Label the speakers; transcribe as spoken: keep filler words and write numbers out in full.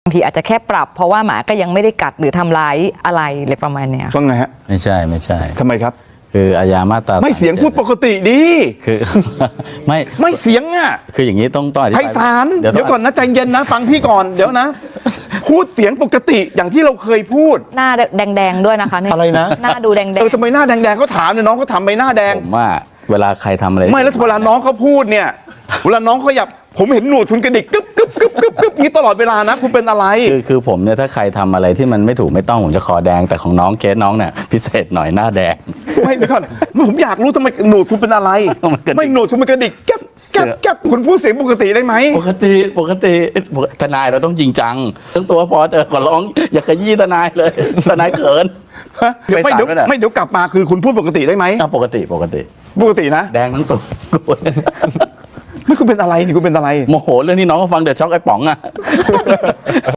Speaker 1: บางทีอาจจะแค่ปรับเพราะว่าหมาก็ยังไม่ได้กัดหรือทำร้ายอะไรเลยประมาณเนี้ย
Speaker 2: ว่าไงฮะ
Speaker 3: ไม่ใช่ไม่ใช่
Speaker 2: ทำไมครับ
Speaker 3: คืออาญามาตรา
Speaker 2: ไม่เสียงพูดปกติดี
Speaker 3: คือ ไม่
Speaker 2: ไม่เสียงอ่ะ
Speaker 3: คืออย่างนี้ต้องต้องอธิ
Speaker 2: ไพ
Speaker 3: บาย
Speaker 2: ศาล
Speaker 3: เดี๋ยว
Speaker 2: เดี๋ยวก่อนนะใจเย็นนะฟังพี่ก่อนเดี๋ยวนะ พูดเสียงปกติอย่างที่เราเคยพูด
Speaker 1: หน้าแดงๆด้วยนะคะเนี่ย
Speaker 2: อะไรนะ
Speaker 1: หน้าดูแดง
Speaker 2: เออทำไมหน้าแดงๆเขาถามเนี่ยน้องเขาทำไปหน้าแดง
Speaker 3: ผมว่าเวลาใครทำอะไร
Speaker 2: ไม่แล้วเวลาน้องเขาพูดเนี่ยเวลาน้องเขาอยากผมเห็นหนวดคุณกระดิกกึ๊บกึ๊บกึ๊บกึ๊บกึ๊บนี้ตลอดเวลานะคุณเป็นอะไร
Speaker 3: คือคือผมเนี่ยถ้าใครทำอะไรที่มันไม่ถูกไม่ต้องผมจะคอแดงแต่ของน้องเคสน้องเนี่ยพิเศษหน่อยหน้าแดง
Speaker 2: ไม่เดี๋ยวก่อนผมอยากรู้ทำไมหนวดคุณเป็นอะไร
Speaker 3: มันกระดิก
Speaker 2: ไม่หนวดคุณเป็นกระดิกแก๊บแก๊บแก๊บคุณพูดเสียงปกติได้ไหม
Speaker 3: ปกติปกติทนายเราต้องจริงจังทั้งตัวพอเจอขอร้องอย่าขยี้ทนายเลยทนายเขิน
Speaker 2: ฮะเดี๋ยวไม่
Speaker 3: ไม่
Speaker 2: เดี๋ยว
Speaker 3: ตัดไว้น่ะ
Speaker 2: ไม่เดี๋ยวกลับมาคือคุณพูดปกติได้ไหม
Speaker 3: อ่ะปกติปกติ
Speaker 2: ปกตินะ
Speaker 3: แดงทั้งตัว
Speaker 2: ไม่คุณเป็นอะไรนี่คุณเป็นอะไร
Speaker 3: โมโหเรื่องที่น้องเขาฟังเดือดช็อกไอ้ป๋องอะ